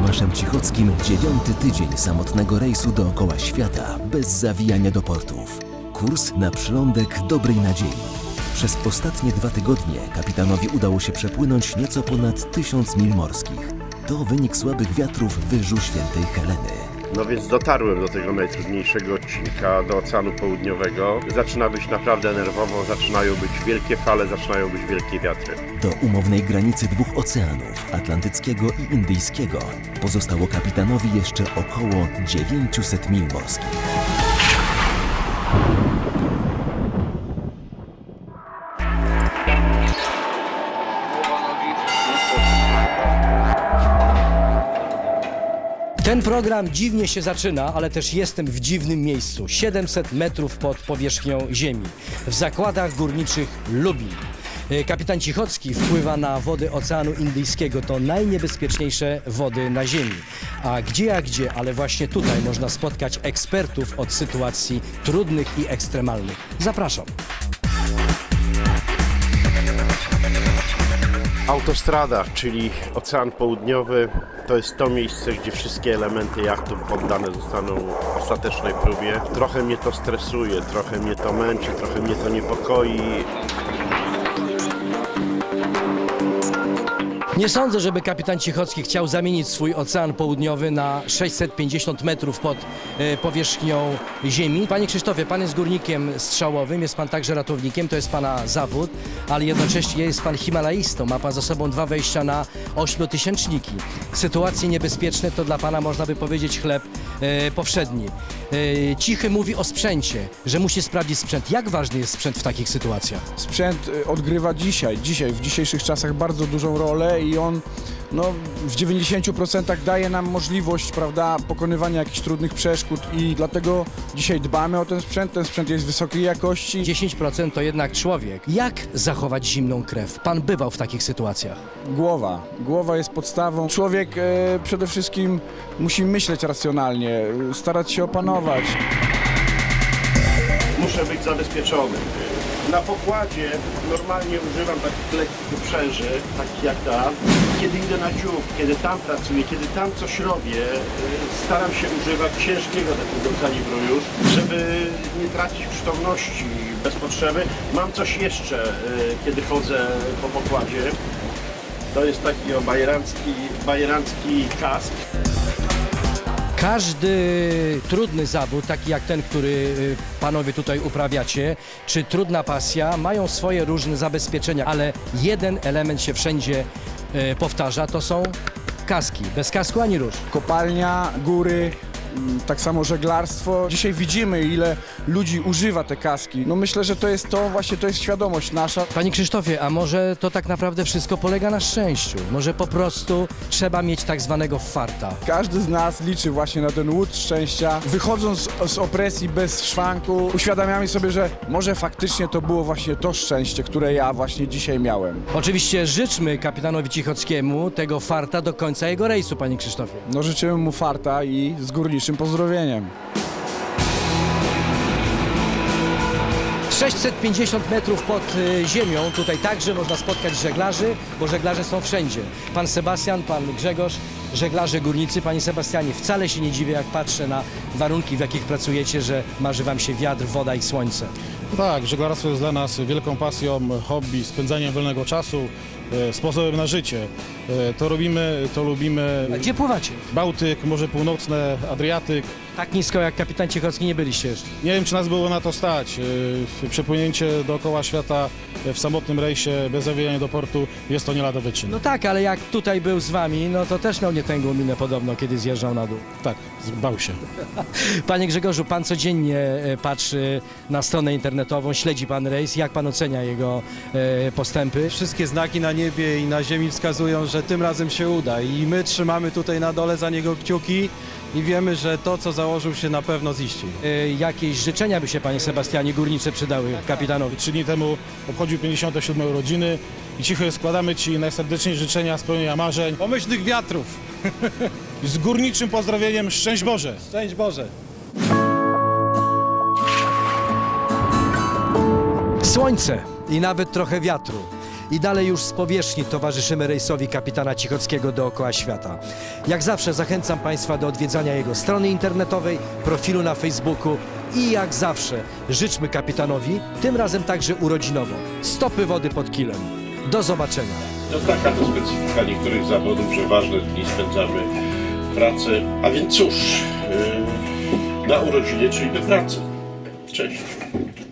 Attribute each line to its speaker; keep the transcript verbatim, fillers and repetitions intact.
Speaker 1: Tomaszem Cichockim dziewiąty tydzień samotnego rejsu dookoła świata bez zawijania do portów. Kurs na przylądek Dobrej Nadziei. Przez ostatnie dwa tygodnie kapitanowi udało się przepłynąć nieco ponad tysiąc mil morskich. To wynik słabych wiatrów wyżu Świętej Heleny.
Speaker 2: No więc dotarłem do tego najtrudniejszego odcinka, do Oceanu Południowego. Zaczyna być naprawdę nerwowo, zaczynają być wielkie fale, zaczynają być wielkie wiatry.
Speaker 1: Do umownej granicy dwóch oceanów, Atlantyckiego i Indyjskiego, pozostało kapitanowi jeszcze około dziewięćset mil morskich.
Speaker 3: Ten program dziwnie się zaczyna, ale też jestem w dziwnym miejscu. siedemset metrów pod powierzchnią ziemi, w zakładach górniczych Lubin. Kapitan Cichocki wpływa na wody Oceanu Indyjskiego. To najniebezpieczniejsze wody na ziemi. A gdzie jak gdzie, ale właśnie tutaj można spotkać ekspertów od sytuacji trudnych i ekstremalnych. Zapraszam.
Speaker 2: Autostrada, czyli Ocean Południowy, to jest to miejsce, gdzie wszystkie elementy jachtu poddane zostaną ostatecznej próbie. Trochę mnie to stresuje, trochę mnie to męczy, trochę mnie to niepokoi.
Speaker 3: Nie sądzę, żeby kapitan Cichocki chciał zamienić swój Ocean Południowy na sześćset pięćdziesiąt metrów pod e, powierzchnią ziemi. Panie Krzysztofie, pan jest górnikiem strzałowym, jest pan także ratownikiem, to jest pana zawód, ale jednocześnie jest pan himalaistą, ma pan za sobą dwa wejścia na ośmiotysięczniki. Sytuacje niebezpieczne to dla pana, można by powiedzieć, chleb e, powszedni. E, Cichy mówi o sprzęcie, że musi sprawdzić sprzęt. Jak ważny jest sprzęt w takich sytuacjach?
Speaker 4: Sprzęt odgrywa dzisiaj, dzisiaj, w dzisiejszych czasach bardzo dużą rolę i on no, w dziewięćdziesięciu procentach daje nam możliwość, prawda, pokonywania jakichś trudnych przeszkód i dlatego dzisiaj dbamy o ten sprzęt. Ten sprzęt jest wysokiej jakości.
Speaker 3: dziesięć procent to jednak człowiek. Jak zachować zimną krew? Pan bywał w takich sytuacjach.
Speaker 4: Głowa. Głowa jest podstawą. Człowiek e, przede wszystkim musi myśleć racjonalnie, starać się opanować.
Speaker 2: Muszę być zabezpieczony. Na pokładzie normalnie używam takich lekkich uprzęży, takich jak ta. Kiedy idę na dziób, kiedy tam pracuję, kiedy tam coś robię, staram się używać ciężkiego takiego kalibru już, żeby nie tracić przytomności bez potrzeby. Mam coś jeszcze, kiedy chodzę po pokładzie. To jest taki o bajerancki, bajerancki kask.
Speaker 3: Każdy trudny zawód, taki jak ten, który panowie tutaj uprawiacie, czy trudna pasja, mają swoje różne zabezpieczenia, ale jeden element się wszędzie e, powtarza, to są kaski. Bez kasku ani rusz.
Speaker 4: Kopalnia, góry, tak samo żeglarstwo. Dzisiaj widzimy, ile ludzi używa te kaski. No myślę, że to jest to, właśnie to jest świadomość nasza.
Speaker 3: Panie Krzysztofie, a może to tak naprawdę wszystko polega na szczęściu? Może po prostu trzeba mieć tak zwanego farta?
Speaker 4: Każdy z nas liczy właśnie na ten łód szczęścia. Wychodząc z opresji bez szwanku, uświadamiamy sobie, że może faktycznie to było właśnie to szczęście, które ja właśnie dzisiaj miałem.
Speaker 3: Oczywiście życzmy kapitanowi Cichockiemu tego farta do końca jego rejsu, panie Krzysztofie.
Speaker 4: No życzymy mu farta i z górniczym pozdrowieniem.
Speaker 3: sześćset pięćdziesiąt metrów pod y, ziemią, tutaj także można spotkać żeglarzy, bo żeglarze są wszędzie. Pan Sebastian, pan Grzegorz, żeglarze górnicy. Panie Sebastianie, wcale się nie dziwię, jak patrzę na warunki, w jakich pracujecie, że marzy wam się wiatr, woda i słońce.
Speaker 5: Tak, żeglarstwo jest dla nas wielką pasją, hobby, spędzaniem wolnego czasu, e, sposobem na życie. E, to robimy, to lubimy.
Speaker 3: A gdzie pływacie?
Speaker 5: Bałtyk, Morze Północne, Adriatyk.
Speaker 3: Tak nisko jak kapitan Cichocki nie byliście jeszcze.
Speaker 5: Nie wiem, czy nas było na to stać. E, przepłynięcie dookoła świata w samotnym rejsie, bez zawijania do portu, jest to nie lada wyczyn.
Speaker 3: No tak, ale jak tutaj był z wami, no to też miał nietęgą minę podobno, kiedy zjeżdżał na dół.
Speaker 5: Tak, bał się.
Speaker 3: Panie Grzegorzu, pan codziennie e, patrzy na stronę internetową, śledzi pan rejs. Jak pan ocenia jego e, postępy?
Speaker 6: Wszystkie znaki na niebie i na ziemi wskazują, że tym razem się uda i my trzymamy tutaj na dole za niego kciuki i wiemy, że to, co założył, się na pewno ziści.
Speaker 3: E, jakieś życzenia by się, panie Sebastianie, górnicze przydały kapitanowi?
Speaker 5: Trzy dni temu obchodził pięćdziesiąte siódme urodziny i cicho składamy Ci najserdeczniejsze życzenia spełnienia marzeń.
Speaker 6: Pomyślnych wiatrów!
Speaker 5: Z górniczym pozdrowieniem, szczęść Boże!
Speaker 6: Szczęść Boże!
Speaker 3: Słońce i nawet trochę wiatru. i dalej już z powierzchni towarzyszymy rejsowi kapitana Cichockiego dookoła świata. Jak zawsze zachęcam Państwa do odwiedzania jego strony internetowej, profilu na Facebooku i jak zawsze życzmy kapitanowi, tym razem także urodzinowo, stopy wody pod kilem. Do zobaczenia.
Speaker 2: To taka to specyfika niektórych zawodów, że ważne dni spędzamy w pracy. A więc cóż, yy, na urodziny, czyli do pracy. Cześć.